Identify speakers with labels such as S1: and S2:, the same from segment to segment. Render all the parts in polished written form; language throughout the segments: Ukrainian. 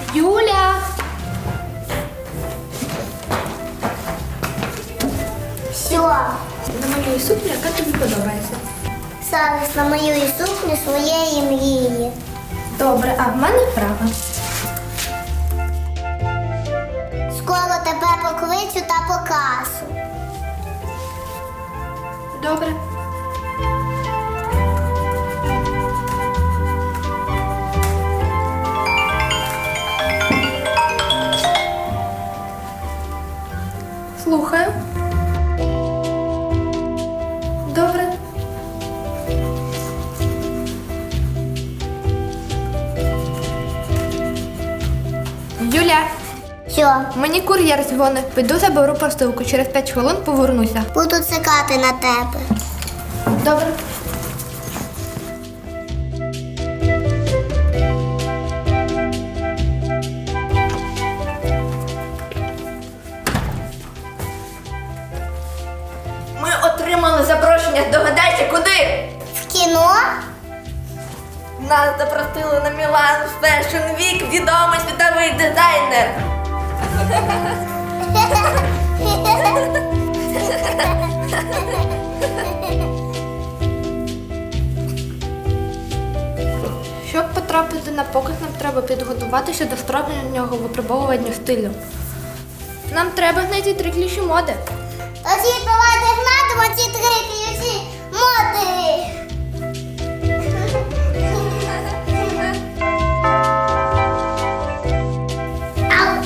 S1: Юля!
S2: Що?
S1: Намалюй сукню, яка тобі подобається.
S2: Зараз намалюю сукню своєї мрії.
S1: Добре, а в мене вправа.
S2: Скоро тебе покличу та покажу.
S1: Добре. Слухаю. Добре. Юля,
S2: Що?
S1: мені кур'єр дзвонить. Піду заберу посилку. Через 5 хвилин повернуся.
S2: Буду чекати на тебе.
S1: Добре. Ми отримали запрошення. Догадайся, куди?
S2: В кіно?
S1: Нас запросили на Мілан Fashion Week, відомий світовий дизайнер. Щоб потрапити на показ, нам треба підготуватися до справжнього випробовування стилю. Нам треба знайти 3 ключі моди.
S2: Тоді давайте гнатимо ці 3 ключі моди. Ау.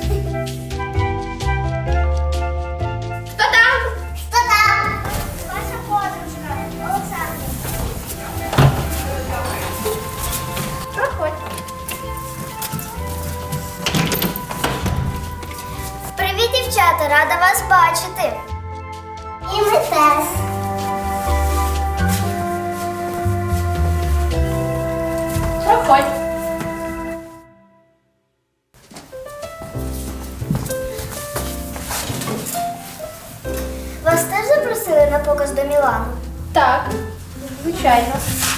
S1: Хто там?
S2: Хто там? Ваша подружка, Олександр.
S1: Проходь.
S2: Привіт, дівчата, рада вас бачити. І ми теж.
S1: Проходь.
S2: Вас теж запросили на показ до Мілану?
S1: Так, звичайно.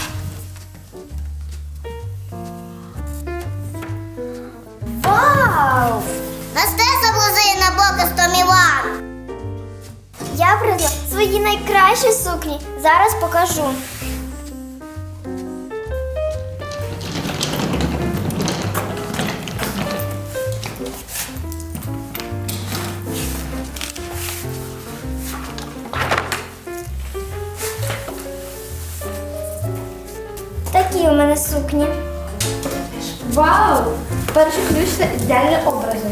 S2: Вау! Нас теж запросили на показ до Мілану. Я привезла свої найкращі сукні. Зараз покажу. Такі у мене сукні.
S1: Вау! Перший ключ – це ідеальні образи.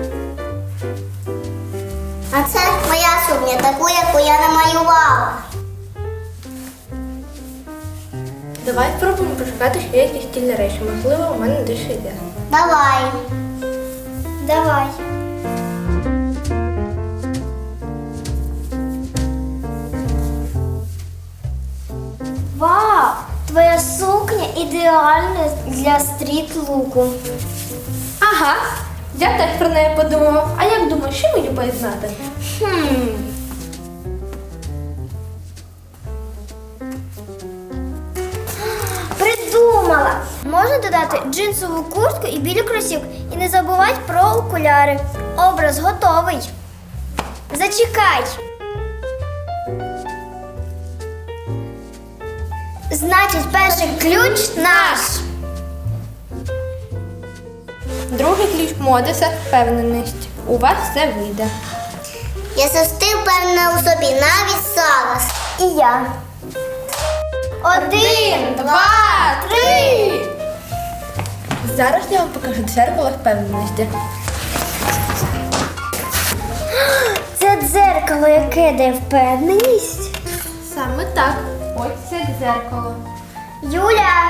S2: А це моя сукня, таку, яку я намалювала.
S1: Давай спробуємо пошукати ще якісь стільні речі. Можливо, у мене дещо йде.
S2: Давай. Давай. Вау! Твоя сукня ідеальна для стріт-луку.
S1: Ага, я теж про неї подумала. А як думаєш, що мені поєднати?
S2: Придумала! Можна додати джинсову куртку і білі кросівки. І не забувай про окуляри. Образ готовий. Зачекай. Значить, перший ключ наш.
S1: Другий ключ моди – це впевненість. У вас все вийде.
S2: Я завжди впевнена у собі, навіть зараз. І я. 1, 2, 3.
S1: Зараз я вам покажу дзеркало впевненості.
S2: Це дзеркало, яке дає впевненість.
S1: Саме так. Ось це дзеркало.
S2: Юля!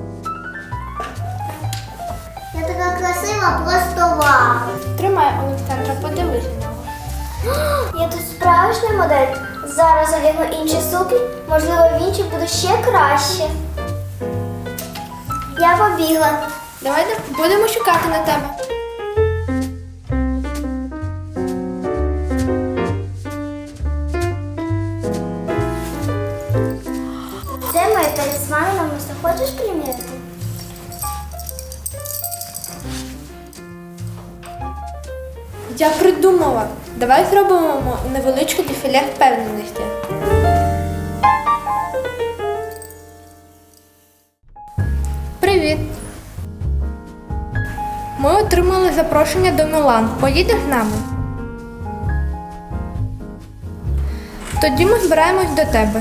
S2: Я така красива, просто вау.
S1: Тримай, Олександра, подивись на нього.
S2: Я тут справжня модель. Зараз одягну інші сукні, можливо, в інших буде ще краще. Я побігла.
S1: Давай будемо чекати на тебе.
S2: Це моє талісмани намисто. Хочеш приміряти?
S1: Я придумала. Давай зробимо невеличке дефіле впевненості. Привіт. Ми отримали запрошення до Мілан. Поїдеш з нами? Тоді ми збираємось до тебе.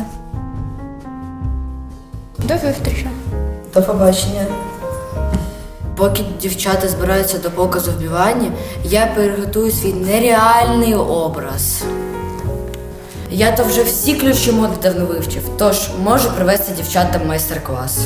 S1: До зустрічі.
S3: До побачення. Поки дівчата збираються до показу в Мілані, я переготую свій нереальний образ. Я то вже всі ключі моди давно вивчив, тож можу привести дівчатам майстер-клас.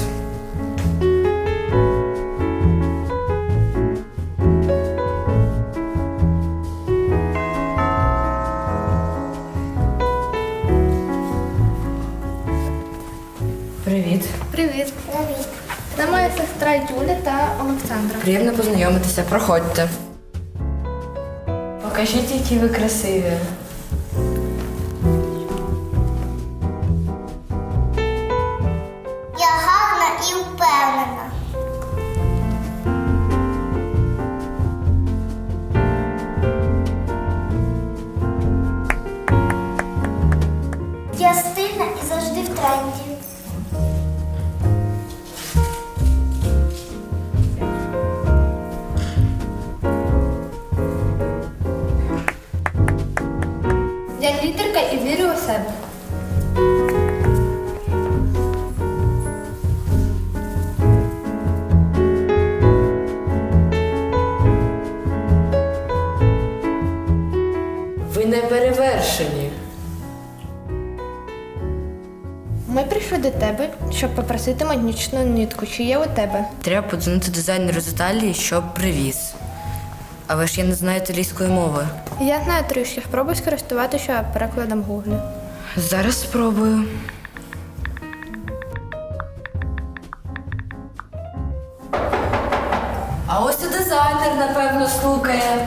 S3: Привіт.
S1: Привіт.
S2: Привіт.
S1: Це моя сестра Юля та Олександра.
S3: Приємно познайомитися, проходьте. Покажіть, які ви красиві.
S2: Я гарна і впевнена. Я стильна і завжди в тренді.
S1: Я лідерка і вірю у себе.
S3: Ви не перевершені.
S1: Ми прийшли до тебе, щоб попросити магнічну нитку. Чи є у тебе?
S3: Треба подзвонити дизайнеру з Італії, щоб привіз. Але ж я не знаю італійської мови.
S1: Я знаю трішки. Спробуй скористуватися перекладом Google.
S3: Зараз спробую. А ось і дизайнер, напевно, стукає.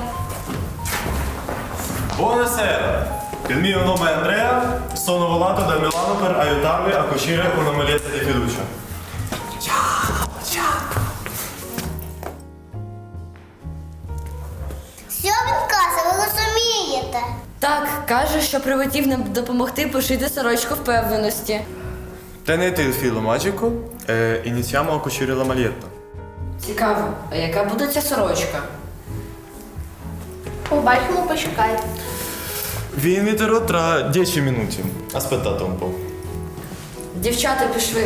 S4: Buonasera, il mio nome è Andrea, sono volato da Milano per aiutarvi a cucire una maglietta di fiducia.
S2: Що він каже, ви розумієте?
S3: Так, каже, що прилетів нам допомогти пошити сорочку впевненості.
S4: Tenete il filo magico e iniziamo a cucire la maglietta.
S3: Цікаво, а яка буде ця сорочка?
S1: Побачимо, почекай.
S4: Vi inviterò tra 10 minuti. Aspettate un po'.
S3: Дівчата пішли.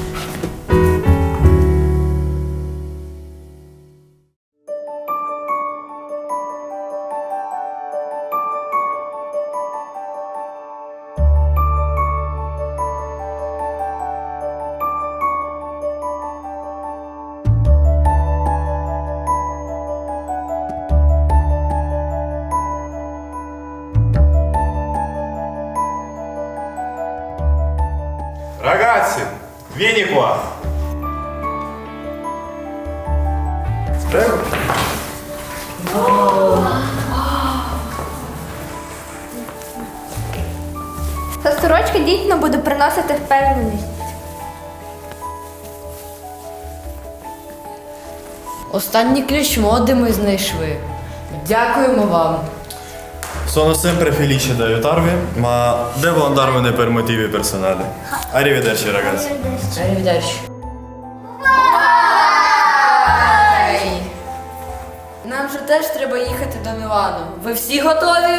S4: Ragazzi, vieni qua. Prego.
S1: Ця сорочка дійсно буде приносити впевненість.
S3: Останній ключ моди ми знайшли. Дякуємо вам.
S4: Sono sempre felice di aiutarvi, ma devo andarmene per motivi personali. Arrivederci ragazzi.
S3: Arrivederci. Нам же теж треба їхати до Мілану. Ви всі готові?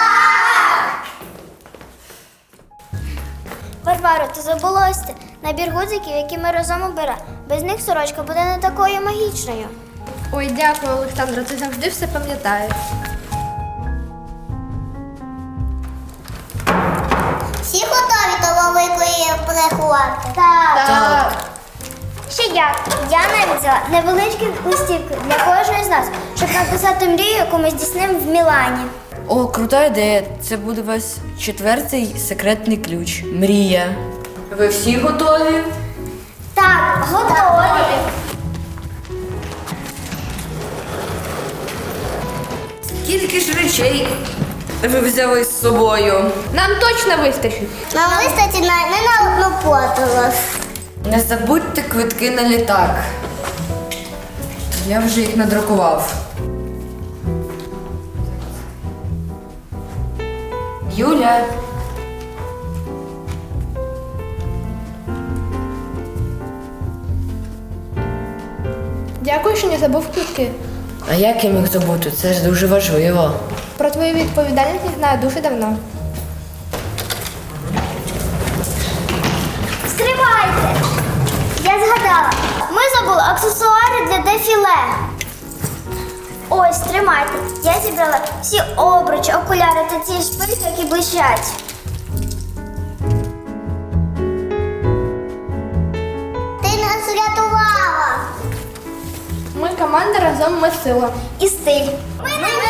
S2: Варваро, ти забула ось це. Набір гудзиків, які ми разом обирали. Без них сорочка буде не такою магічною.
S1: Ой, дякую, Олександра, ти завжди все пам'ятаєш.
S2: Всі готові до великої приховати?
S1: Так.
S2: Ще як? Я навіть взяла невеличкі листівки для кожної з нас, щоб написати мрію, яку ми здійснимо в Мілані.
S3: О, крута ідея. Це буде ваш четвертий секретний ключ. Мрія. Ви всі готові?
S2: Так, готові.
S3: Скільки ж речей ви взяли з собою?
S1: Нам точно вистачить.
S2: Нам вистачить не на одну подорож.
S3: Не забудьте квитки на літак. Я вже їх надрукував. Юля.
S1: Дякую, що не забув квитки.
S3: А як я міг забути? Це ж дуже важливо.
S1: Про твою відповідальність я знаю дуже давно.
S2: Стривайте! Я згадала. Ми забули аксесуари для дефіле. Ось, тримайте. Я зібрала всі обручі, окуляри та ці шпильки, які блищать. Ти нас врятувала!
S1: Ми команда, разом ми сила.
S2: І стиль. Ми не